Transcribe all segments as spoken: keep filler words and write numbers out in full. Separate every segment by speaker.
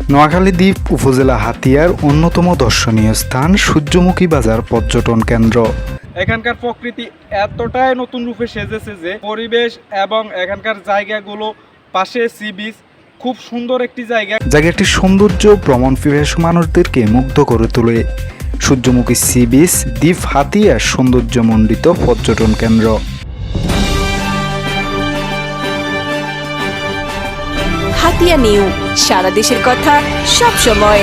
Speaker 1: নোয়াখালী দ্বীপ উপজেলা হাতিয়ার অন্যতম দর্শনীয় স্থান সূর্যমুখী বাজার পর্যটন কেন্দ্র।
Speaker 2: এখানকার প্রকৃতি এতটাই নতুন রূপে সেজেছে যে পরিবেশ এবং এখানকার জায়গাগুলো পাশে সি বিচ, খুব সুন্দর একটি জায়গা।
Speaker 1: জায়গাটির সৌন্দর্য ভ্রমণ পিপাসু মানুষদেরকে মুগ্ধ করে তোলে। সূর্যমুখী সি বিচ দ্বীপ হাতিয়ার সৌন্দর্যমণ্ডিত পর্যটন কেন্দ্র।
Speaker 3: হাতিয়া নিউ, সারা দেশের কথা সব সময়।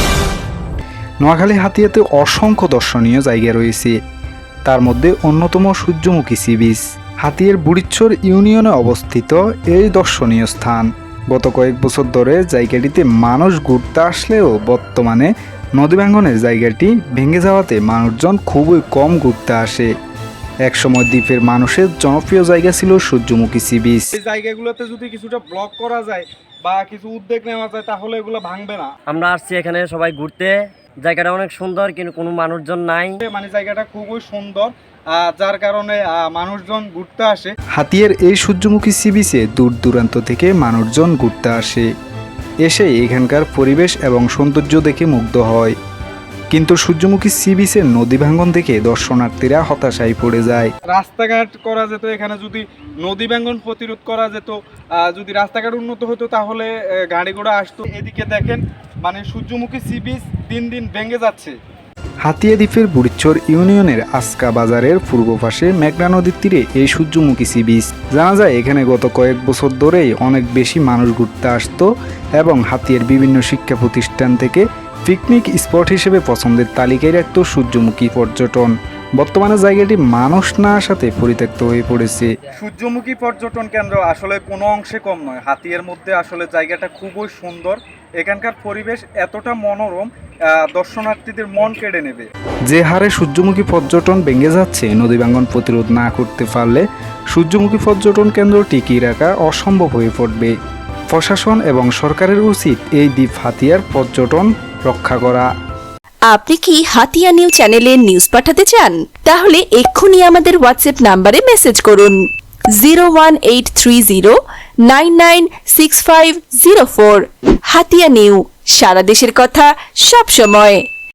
Speaker 1: নোয়াখালী হাতিয়াতে অসংখ্য দর্শনীয় জায়গা রয়েছে, তার মধ্যে অন্যতম সূর্যমুখী সি বিচ। হাতিয়ার বুড়িচ্ছর ইউনিয়নে অবস্থিত এই দর্শনীয় স্থান গত কয়েক বছর ধরে জায়গাটিতে মানুষ ঘুরতে আসলেও বর্তমানে নদী ভাঙ্গনের জায়গাটি ভেঙে যাওয়াতে মানুষজন খুবই কম ঘুরতে আসে। একসময় দ্বীপের মানুষের জনপ্রিয় জায়গা ছিল সূর্যমুখী সি বিচ।
Speaker 2: এই জায়গাগুলোতে যদি কিছুটা ব্লক করা যায় বা কিছু উদ্যোগ নেওয়া যায় তাহলে এগুলো ভাঙবে না।
Speaker 4: আমরা আসছি এখানে সবাই ঘুরতে, জায়গাটা অনেক সুন্দর কিন্তু কোনো মানুষজন নাই।
Speaker 2: মানে জায়গাটা খুবই সুন্দর, যার কারণে মানুষজন ঘুরতে আসে।
Speaker 1: হাতিয়ার এই সূর্যমুখী সি বিচে দূর দূরান্ত থেকে মানুষজন ঘুরতে আসে, এসে এখানকার পরিবেশ এবং সৌন্দর্য দেখে মুগ্ধ হয়। কিন্তু সূর্যমুখী সি বিচের নদী ভাঙ্গন দেখে দর্শনার্থীরা হতাশায় পড়ে যায়।
Speaker 2: রাস্তাঘাট করা যেত, এখানে যদি নদী ভাঙ্গন প্রতিরোধ করা যেত, যদি রাস্তাঘাট উন্নত হতো তাহলে গাড়ি ঘোড়া আসতো। এদিকে দেখেন, মানে সূর্যমুখী সি বিচ দিন দিন ভেঙে যাচ্ছে।
Speaker 1: হাতিয়া দ্বীপের বুড়িচ্ছর ইউনিয়নের আস্কা বাজারের পূর্ব পাশে মেঘনা নদীর তীরে এই সূর্যমুখী সি বিচ। জানা যায় এখানে গত কয়েক বছর ধরেই অনেক বেশি মানুষ ঘুরতে আসতো এবং হাতিয়ার বিভিন্ন শিক্ষা প্রতিষ্ঠান থেকে পিকনিক স্পট হিসেবে পছন্দের তালিকায় রাখত সূর্যমুখী পর্যটন। বর্তমানে জায়গাটি মানুষ না আসাতে পরিত্যক্ত হয়ে পড়েছে।
Speaker 2: সূর্যমুখী পর্যটন কেন্দ্র আসলে কোনো অংশে কম নয়। হাতিয়ার মধ্যে আসলে জায়গাটা খুবই সুন্দর, এখানকার পরিবেশ এতটা মনোরম, দর্শনার্থীদের মন কেড়ে নেবে।
Speaker 1: যে হারে সূর্যমুখী পর্যটন ভেঙে যাচ্ছে, নদী ভাঙ্গন প্রতিরোধ না করতে পারলে সূর্যমুখী পর্যটন কেন্দ্র টিকিয়ে রাখা অসম্ভব হয়ে পড়বে। প্রশাসন এবং সরকারের উচিত এই দ্বীপ হাতিয়ার পর্যটন রক্ষা করা।
Speaker 3: আপনি কি হাতিয়া নিউ চ্যানেলে নিউজ পাঠাতে চান? তাহলে এক্ষুনি আমাদের হোয়াটসঅ্যাপ নাম্বারে মেসেজ করুন zero one eight three zero nine nine six five zero four. Hatiya new, সারা দেশের কথা সব সময়।